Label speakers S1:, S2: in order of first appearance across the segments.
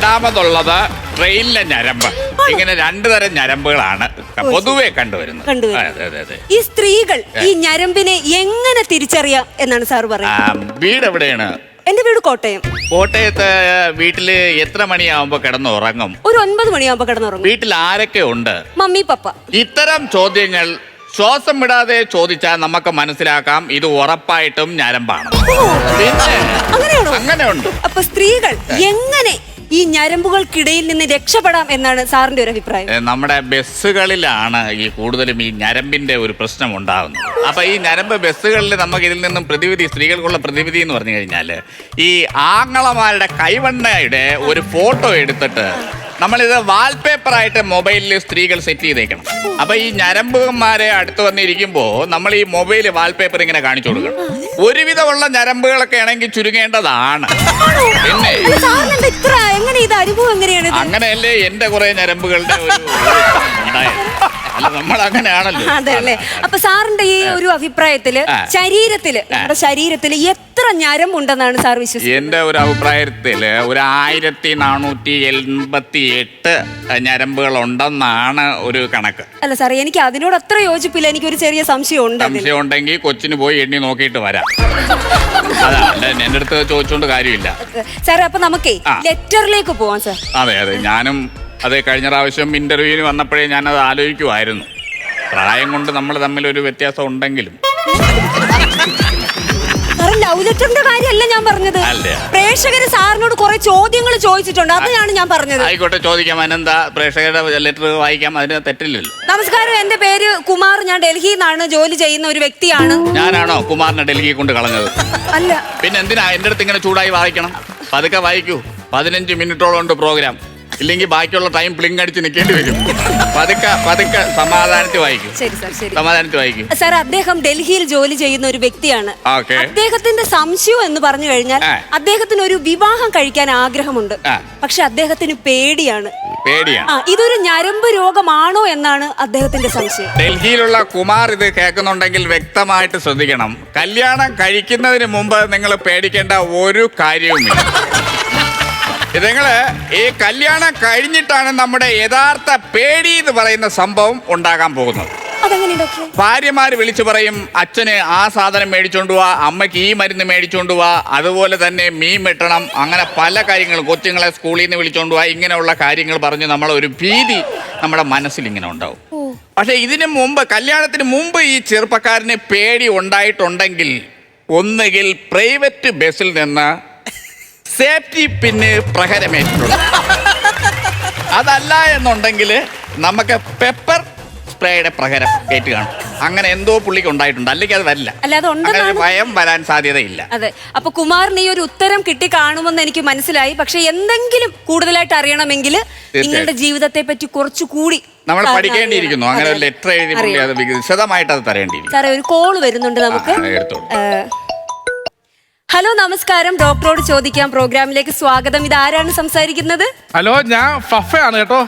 S1: രണ്ടാമതുള്ളത് ട്രെയിനിലെ ഞരമ്പ്. ഇങ്ങനെ രണ്ടു തരം ഞരമ്പുകളാണ് പൊതുവെ കണ്ടുവരുന്നത്. അതെ അതെ അതെ.
S2: ഈ സ്ത്രീകൾ ഈ ഞരമ്പിനെ എങ്ങനെ തിരിച്ചറിയാം എന്നാണ് സാർ പറയുന്നത്?
S1: വീട് എവിടെയാണ്?
S2: എന്റെ വീട് കോട്ടയം.
S1: കോട്ടയത്ത് വീട്ടില് എത്ര മണിയാവുമ്പോ കിടന്നുറങ്ങും?
S2: ഒരു 9 മണിയാവുമ്പോ കിടന്നുറങ്ങും.
S1: വീട്ടിൽ ആരൊക്കെ ഉണ്ട്?
S2: Mummy papa.
S1: ഇത്തരം ചോദ്യങ്ങൾ ശ്വാസം വിടാതെ ചോദിച്ചാൽ നമുക്ക് മനസ്സിലാക്കാം ഇത് ഉറപ്പായിട്ടും ഞരമ്പാണ്. പിന്നെ അങ്ങനെയുണ്ട്.
S2: അപ്പൊ സ്ത്രീകൾ എങ്ങനെ ഈ ഞരമ്പുകൾക്കിടയിൽ നിന്ന് രക്ഷപ്പെടാം എന്നാണ് സാറിന്റെ ഒരു അഭിപ്രായം?
S1: നമ്മുടെ ബസ്സുകളിലാണ് ഈ കൂടുതലും ഈ ഞരമ്പിന്റെ ഒരു പ്രശ്നം ഉണ്ടാകുന്നത്. അപ്പൊ ഈ ഞരമ്പ് ബസ്സുകളിൽ നമുക്ക് ഇതിൽ നിന്നും പ്രതിവിധി, സ്ത്രീകൾക്കുള്ള പ്രതിവിധി എന്ന് പറഞ്ഞു കഴിഞ്ഞാൽ ഈ ആങ്ങളമാരുടെ കൈവണ്ണയുടെ ഒരു ഫോട്ടോ എടുത്തിട്ട് നമ്മളിത് വാൾപേപ്പറായിട്ട് മൊബൈലിൽ സ്ത്രീകൾ സെറ്റ് ചെയ്തേക്കണം. അപ്പൊ ഈ ഞരമ്പുമാരെ അടുത്ത് വന്നിരിക്കുമ്പോ നമ്മൾ ഈ മൊബൈൽ വാൾപേപ്പർ ഇങ്ങനെ കാണിച്ചു കൊടുക്കണം. ഒരുവിധമുള്ള ഞരമ്പുകളൊക്കെ ആണെങ്കിൽ ചുരുങ്ങേണ്ടതാണ്. പിന്നെ അങ്ങനെയല്ലേ എന്റെ കുറെ ഞരമ്പുകളുടെ ഒരു ഉണ്ടായത്. അല്ല, നമ്മൾ അങ്ങനെയാണല്ലോ.
S2: അതല്ലേ. അപ്പൊ സാറിന്റെ ഈ ഒരു അഭിപ്രായത്തില് നമ്മുടെ ശരീരത്തില് എത്ര ഞരമ്പുണ്ടെന്നാണ് സാർ വിശ്വസിക്കുന്നത്?
S1: എന്റെ ഒരു അഭിപ്രായത്തില് ഒരു 1488 ഞരമ്പുകൾ ഉണ്ടെന്നാണ് ഒരു കണക്ക്.
S2: അല്ല സാർ, എനിക്ക് അതിനോട് അത്ര യോജിപ്പില്ല. എനിക്കൊരു ചെറിയ സംശയം
S1: ഉണ്ടെങ്കിൽ കൊച്ചിന് പോയി എണ്ണി നോക്കിയിട്ട് വരാം. അതല്ല എന്റെ അടുത്ത് ചോദിച്ചോണ്ട് കാര്യമില്ല
S2: സാർ. അപ്പൊ നമുക്കേ ലെറ്ററിലേക്ക് പോവാം സാർ.
S1: അതെ അതെ, ഞാനും അതെ കഴിഞ്ഞ പ്രാവശ്യം ഇന്റർവ്യൂവിന് വന്നപ്പോഴേ ഞാനത് ആലോചിക്കുമായിരുന്നു. പ്രായം കൊണ്ട് നമ്മൾ തമ്മിൽ ഒരു വ്യത്യാസം ഉണ്ടെങ്കിലും
S2: ലവ് ലെറ്ററിന്റെ കാര്യമല്ല ഞാൻ പറഞ്ഞത്. പ്രേക്ഷകര് സാറിനോട് കുറെ ചോദ്യങ്ങൾ ചോദിച്ചിട്ടുണ്ട്, അതാണ് ഞാൻ പറഞ്ഞത്.
S1: ആയിക്കോട്ടെ, ചോദിക്കാം. അതിനെന്താ, പ്രേക്ഷകരുടെ ലെറ്റർ വായിക്കാം, അതിന് തെറ്റില്ലല്ലോ.
S2: നമസ്കാരം, എന്റെ പേര് കുമാർ. ഞാൻ ഡൽഹിയിൽ നിന്നാണ് ജോലി ചെയ്യുന്ന ഒരു വ്യക്തിയാണ്.
S1: ഞാനാണോ കുമാറിനെ ഡൽഹി കൊണ്ട് കളഞ്ഞത്?
S2: അല്ല.
S1: പിന്നെ എന്തിനാ എന്റെ അടുത്ത് ഇങ്ങനെ ചൂടായി വായിക്കണം? പതുക്കെ വായിക്കൂ. 15 മിനിറ്റോളം ഉണ്ട് പ്രോഗ്രാം. ഇല്ലെങ്കിൽ ബാക്കിയുള്ള ടൈം പ്ലിങ് അടിച്ച് നിൽക്കേണ്ടി വരും. പതുക്കെ സമാധാനത്തിൽ വായിക്കും. സമാധാനത്തിൽ വായിക്കും.
S2: സാർ, അദ്ദേഹം ഡൽഹിയിൽ ജോലി ചെയ്യുന്ന ഒരു വ്യക്തിയാണ്. അദ്ദേഹത്തിന്റെ സംശയം എന്ന് പറഞ്ഞു കഴിഞ്ഞാൽ അദ്ദേഹത്തിന് ഒരു വിവാഹം കഴിക്കാൻ ആഗ്രഹമുണ്ട്. പക്ഷെ അദ്ദേഹത്തിന് പേടിയാണ്. ഇതൊരു ഞരമ്പ് രോഗമാണോ എന്നാണ് അദ്ദേഹത്തിന്റെ സംശയം.
S1: ഡൽഹിയിലുള്ള കുമാർ ഇത് കേൾക്കുന്നുണ്ടെങ്കിൽ വ്യക്തമായിട്ട് ശ്രദ്ധിക്കണം. കല്യാണം കഴിക്കുന്നതിന് മുമ്പ് നിങ്ങൾ പേടിക്കേണ്ട ഒരു കാര്യവുമില്ല. നിങ്ങള് ഈ കല്യാണം കഴിഞ്ഞിട്ടാണ് നമ്മുടെ യഥാർത്ഥ പേടി എന്ന് പറയുന്ന സംഭവം ഉണ്ടാകാൻ പോകുന്നത്. ഭാര്യമാര് വിളിച്ചു പറയും, അച്ഛന് ആ സാധനം മേടിച്ചോണ്ട് പോവാ, അമ്മയ്ക്ക് ഈ മരുന്ന് മേടിച്ചോണ്ട് പോവാ, അതുപോലെ തന്നെ മീൻ വെട്ടണം, അങ്ങനെ പല കാര്യങ്ങളും, കൊച്ചുങ്ങളെ സ്കൂളിൽ നിന്ന് വിളിച്ചോണ്ട് പോവാ, ഇങ്ങനെയുള്ള കാര്യങ്ങൾ പറഞ്ഞ് നമ്മളൊരു ഭീതി നമ്മുടെ മനസ്സിൽ ഇങ്ങനെ ഉണ്ടാവും. പക്ഷെ ഇതിനു മുമ്പ്, കല്യാണത്തിന് മുമ്പ് ഈ ചെറുപ്പക്കാരന് പേടി ഉണ്ടായിട്ടുണ്ടെങ്കിൽ ഒന്നുകിൽ പ്രൈവറ്റ് ബസ്സിൽ നിന്ന് സേഫ്റ്റി പിന്നെ പ്രഹരമേറ്റിട്ടുണ്ട്. അതല്ല എന്നുണ്ടെങ്കിൽ നമുക്ക് പെപ്പർ സ്പ്രേയുടെ പ്രഹരം ഏറ്റ് കാണും. അങ്ങനെ എന്തോ പുള്ളിക്ക് ഉണ്ടായിട്ടുണ്ട്. അല്ലെങ്കിൽ അത് വരില്ല. ഭയം വരാൻ സാധ്യതയില്ല.
S2: അതെ. അപ്പൊ കുമാറിന് ഈ ഒരു ഉത്തരം കിട്ടി കാണുമെന്ന് എനിക്ക് മനസ്സിലായി. പക്ഷെ എന്തെങ്കിലും കൂടുതലായിട്ട് അറിയണമെങ്കിൽ നിങ്ങളുടെ ജീവിതത്തെ പറ്റി കുറച്ചുകൂടി
S1: നമ്മൾ പഠിക്കേണ്ടിയിരിക്കുന്നു. അങ്ങനെ ഒരു ലെറ്റർ എഴുതി അത് വിശദമായിട്ട് അത് തരേണ്ടിയിരിക്കും.
S2: സാറേ, ഒരു കോള് വരുന്നുണ്ട് നമുക്ക്. ഹലോ, നമസ്കാരം. ഡോക്ടറോട് ചോദിക്കാം പ്രോഗ്രാമിലേക്ക് സ്വാഗതം. ഇത് ആരാണ് സംസാരിക്കുന്നത്?
S3: ഹലോ, ഞാൻ ഫഫയാണ് കേട്ടോ.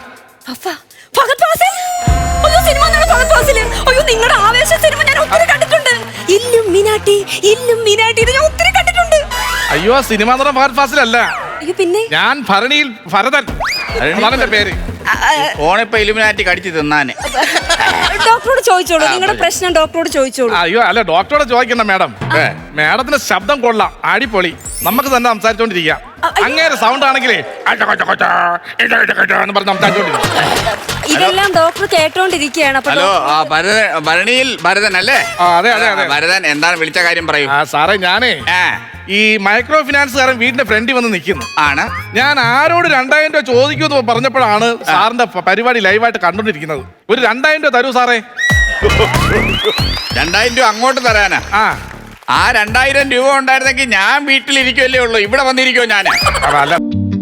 S2: നിങ്ങളുടെ ആവേശ സിനിമ ഞാൻ ഒത്തിരി കണ്ടിട്ടുണ്ട്. ഇല്ലുമിനാട്ടി ഇത് ഞാൻ ഒത്തിരി കണ്ടിട്ടുണ്ട്.
S3: അയ്യോ, സിനിമ ഫഹദ് ഫാസിലല്ല.
S2: പിന്നെ
S3: ഞാൻ ഭരണിയിൽ ഭരതൻ, പേര്.
S1: ഓണിപ്പോ ഇലുമിനാറ്റി കടിച്ചു തിന്നാന്.
S2: ഡോക്ടറോട് ചോദിച്ചോളൂ, നിങ്ങളുടെ പ്രശ്നം ഡോക്ടറോട് ചോദിച്ചോളൂ.
S3: അയ്യോ അല്ല, ഡോക്ടറോട് ചോദിക്കണ്ട മാഡം. മാഡത്തിന്റെ ശബ്ദം കൊള്ളാം, അടിപൊളി. നമുക്ക് തന്നെ സംസാരിച്ചോണ്ടിരിക്കാം. അങ്ങേരെ സൗണ്ട് ആണെങ്കിലേ
S2: ഇതെല്ലാം ഡോക്ടർ കേട്ടോണ്ടിരിക്കുകയാണ്.
S1: ഹലോ, ഭരണിയിൽ ഭരതൻ അല്ലേ?
S3: അതെ അതെ അതെ.
S1: ഭരതൻ, എന്താണ് വിളിച്ച കാര്യം പറയൂ.
S3: സാറേ, ഞാനേ ഈ മൈക്രോ ഫിനാൻസുകാരൻ വീടിന്റെ ഫ്രണ്ടിൽ വന്ന് നിൽക്കുന്നു. ഞാൻ ആരോട് 2000 രൂപ ചോദിക്കുമെന്ന് പറഞ്ഞപ്പോഴാണ് സാറിന്റെ പരിപാടി ലൈവായിട്ട് കണ്ടോണ്ടിരിക്കുന്നത്. ഒരു 2000 രൂപ തരൂ സാറേ.
S1: 2000 രൂപ അങ്ങോട്ട് തരാനാ? ആ 2000 രൂപ ഉണ്ടായിരുന്നെങ്കിൽ ഞാൻ വീട്ടിലിരിക്കുമല്ലേ ഉള്ളൂ, ഇവിടെ വന്നിരിക്കുമോ ഞാൻ?
S3: അല്ല